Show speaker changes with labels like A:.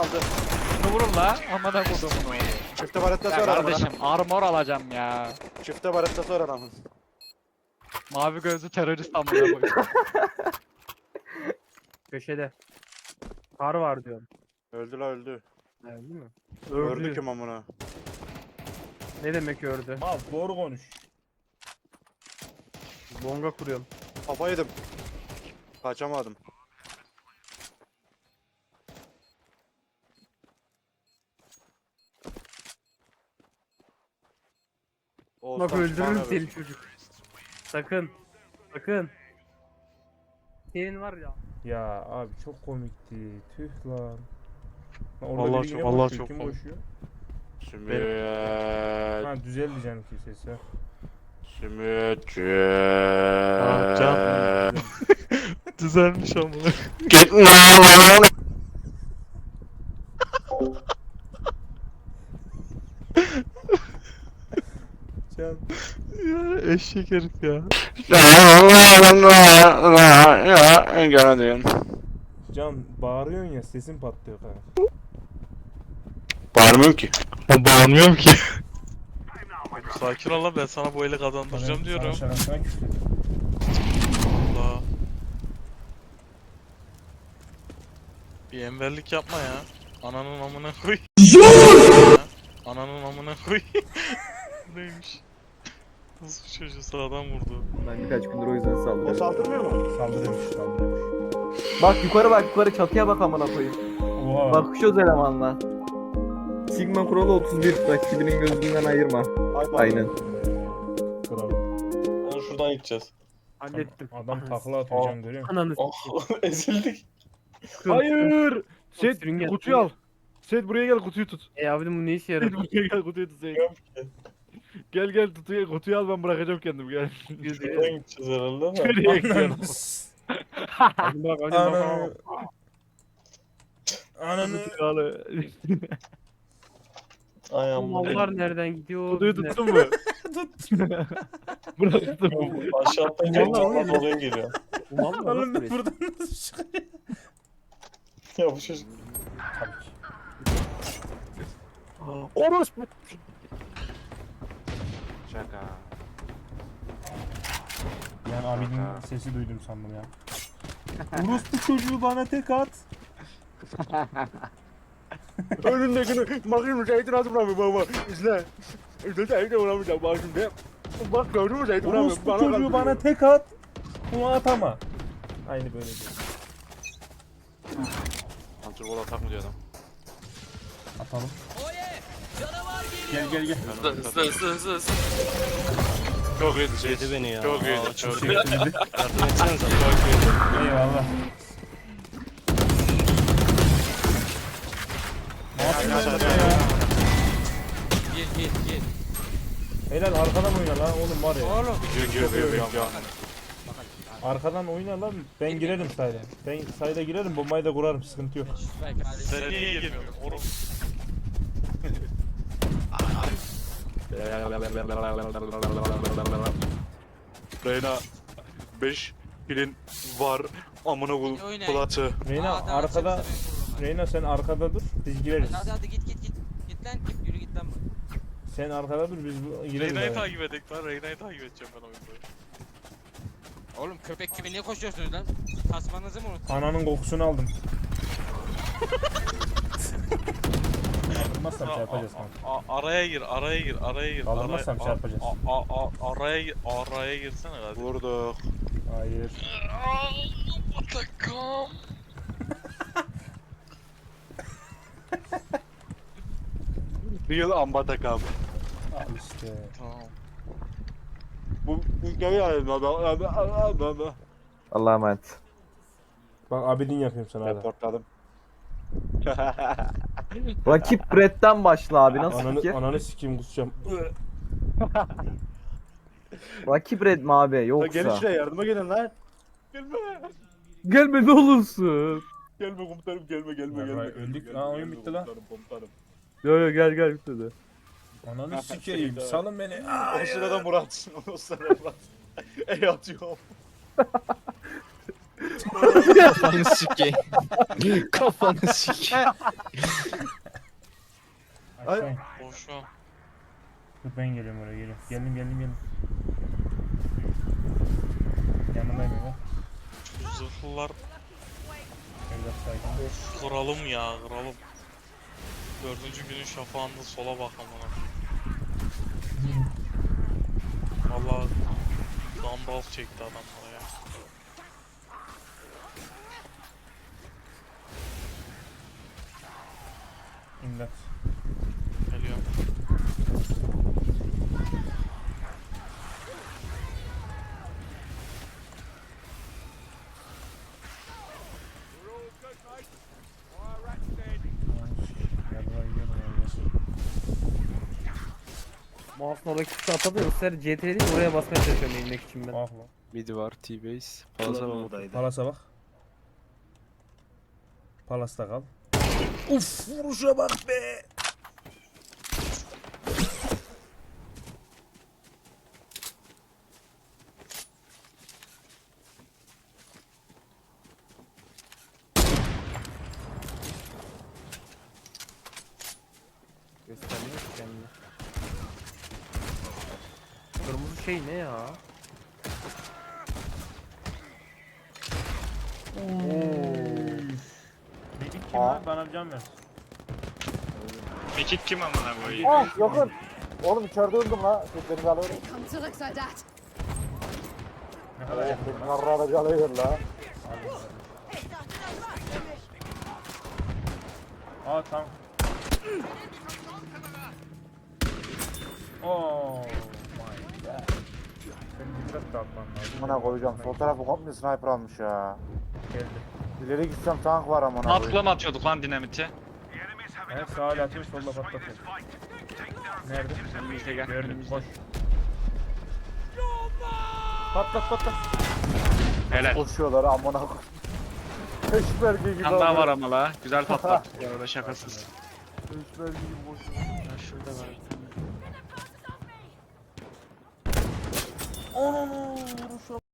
A: aldı.
B: Şunu vurun la. Amına kodumun oğlu.
A: Çifte baretta
B: Ya
A: sonra adamın.
B: kardeşim armor alacağım ya.
A: Çifte baretta sonra adamın.
B: Mavi gözlü terörist amına koyayım.
C: Köşede. Kar var diyorum.
A: Öldü la öldü.
C: Değil mi?
A: Öldü kim amına?
C: Ne demek ördü?
D: Mal doğru konuş.
C: Bonga kuruyorum.
A: Kafa yedim. Kaçamadım.
C: Bak
A: Oğuzhan
C: öldürürüm
A: çıkar
C: seni
A: evet.
C: çocuk. Sakın. Sakın. Senin var ya.
D: Ya abi çok komikti. Tüh lan. Lan orada
B: Vallahi
D: biri
B: çok-
D: yine
B: vallahi
D: koşuyor.
B: çok
D: Kim
B: komik.
D: koşuyor?
A: Sümüt.
D: Ha düzeldi canım ki sesi.
A: Sümütçü.
B: can. Düzelmiş amına.
D: Can.
B: Ya eşek herif ya.
A: Geldim.
D: Can bağırıyorsun ya sesin patlıyor kanka.
A: Bağırmıyorum ki.
B: Ben bağırmıyorum ki. Sakin ol lan, ben sana bu eli kazandıracağım
D: Sana
B: diyorum.
D: şarkısına küfür.
B: Allah. Bir enverlik yapma ya. Ananın amına koy. Ananın amına koy. Neymiş? Nasıl bir çocuğu sağdan vurdu.
E: Ben birkaç gündür o yüzden
A: O
E: saldırıyorum.
A: saldırmıyor mu?
D: Saldırıyormuş saldırıyormuş.
E: Bak yukarı çatıya bak amına koyayım.
D: Oha.
E: Bakışıyoruz elemanla. Sigma kuralı 31 rakibinin gözünden ayırma. Aynen.
D: Kral.
F: Onu şuradan gideceğiz.
C: Hallettim.
D: Adam takla atıyor Can görüyor musun?
C: Ananı
F: Oh ezildik.
G: Hayır. Set
C: Sürüngen.
G: kutuyu al. Set buraya gel kutuyu tut.
C: Abi bu ne işe
G: Set
C: yarar?
G: buraya gel kutuyu tut. Set. Gel gel kutuyu al ben bırakacağım kendim gel.
F: Şuradan gideceğiz herhalde ama.
G: Nereye gidiyorsun?
C: Hadi bak hadi bak.
D: Ananı. Ananı.
G: Kutuyu al.
F: Ay
C: Bu
F: amma.
C: mallar nereden gidiyor?
G: Kutuyu tuttun mu? Bıraktım.
F: Aşağı atlayınca
C: Vallahi
F: canlar
C: öyle.
F: oraya geliyor.
C: Bu mallar
D: Oğlum
C: nasıl
D: ben buradan nasıl çıkıyor?
F: Ya bu çocuk.
D: Tabii ki.
G: Orospu.
A: Şaka.
D: Yani abinin sesi duydum sandım ya. Orospu çocuğu bana tek at.
G: Önündekini bakayım Zeytin adım bırakmıyor baba. İzle. İzle Zeytin bırakmayacağım bak şimdi. Bak gördün mü Zeytin bırakmıyor.
D: Orospu çocuğu bana tek at. Bunu atama. Aynı böyle diyor.
A: Antrenbol atak mı diyor adam?
D: Atalım. Gel gel gel.
F: Hızlı.
A: Çok iyiydi şey.
F: Yedi beni ya.
A: Çok iyiydi çok iyiydi.
F: Yardım etsenize.
D: Eyvallah. Ne yapıyorsun
A: Hadi,
D: sen
A: hadi,
D: ya?
F: Gel.
D: Helal arkadan oyna lan oğlum var ya.
A: Gir.
D: Arkadan oyna lan. Ben girerim sayda. Ben sayda girerim bombayı da kurarım sıkıntı yok.
B: Sen niye girmiyorsun? Oğlum.
A: Reyna 5 pilin var amına kul kulatı.
D: Reyna arkada. Reyna sen arkada dur biz gireriz.
H: Hadi git. Git lan git yürü git lan.
D: Sen arkada dur biz gireriz.
B: Reyna'yı
D: yani.
B: takip edek lan. Reyna'yı takip edeceğim ben oyunda.
H: Oğlum köpek gibi niye koşuyorsunuz lan? Tasmanızı mı unuttun?
D: Ananın kokusunu aldım. Kaldırmazsam şey yapacağız kanka.
B: Araya gir.
D: Kaldırmazsam şey yapacağız.
B: Araya girsene hadi.
A: Vurduk.
D: Hayır.
B: Batakam.
A: Real ambatakam.
D: Al işte.
B: Tamam.
A: Bu geliyor.
E: Allah'a emanet.
D: Bak abidin yapıyorum sana hadi.
A: Reportladım.
E: Rakip Brett'ten başla abi nasıl fikir?
D: Ananı sikeyim kusacağım.
E: Rakip Red mi abi
A: Gelin
E: yoksa?
A: şuraya yardıma gelin lan. Gelme.
E: Gelme ne olursun.
A: Gelme komutanım gelme.
D: Ya, öldük. Ha, oyun bitti lan.
A: Komutanım.
E: Yo gel bitti.
D: Ananı sikeyim salın beni.
A: O sırada Murat. O sırada Murat. Ey atıyorum.
I: Kafanı sikeyim. Kafanı sikeyim.
D: Aşağı in.
B: Boş ver.
D: Dur ben geliyorum oraya geliyorum. Geldim. Yanındayım ya.
B: Şu zırhlılar
D: Evlat sakin.
B: of kıralım ya kıralım. 4. günün şafağında sola bak amına. Valla Gandalf çekti adamlara ya.
D: İmdat.
B: Geliyorum.
D: Yarrağı yiyorum ya.
C: Mouse'un oradaki tuşu atamıyor. Ister CTRL değil oraya basmaya çalışıyorum inmek için ben.
D: Bak lan.
I: Midi var T-base. Fazla var.
D: Palas'a bak. Palas'ta kal. Uf vuruşa bak be.
C: Göstermiyor ki kendini. Kırmızı şey ne ya?
D: Medik kim lan? Bana bir can ver.
B: Mekik kim amına koyayım?
G: Ah yakın. Oğlum içeride öldüm la. Seslerimi alıyorum.
J: Come to look like that.
D: Ne kadar yakın.
G: Yarrağı da alıyor la.
D: Aa tamam. Oh my god. Senin dikkat dağıtman lazım.
G: Buna koyacağım. Sol tarafı komple sniper almış ya.
D: Geldi.
G: İleri gitsem tank var amına koyayım.
B: Atkıla mı atıyorduk lan dinamiti?
D: Evet sağa atıyor solda patlatıyor. Nerede?
B: Önümüzde gel.
D: Gördüm koş. Patlat.
B: Helal.
G: Koşuyorlar amına koyayım. Peşmerge gibi.
B: Kan daha var ama la. Güzel patlat. Bu arada şakasız.
G: Peşmerge gibi koşuyor.
B: Ya şurada var.
D: Onu vuruşa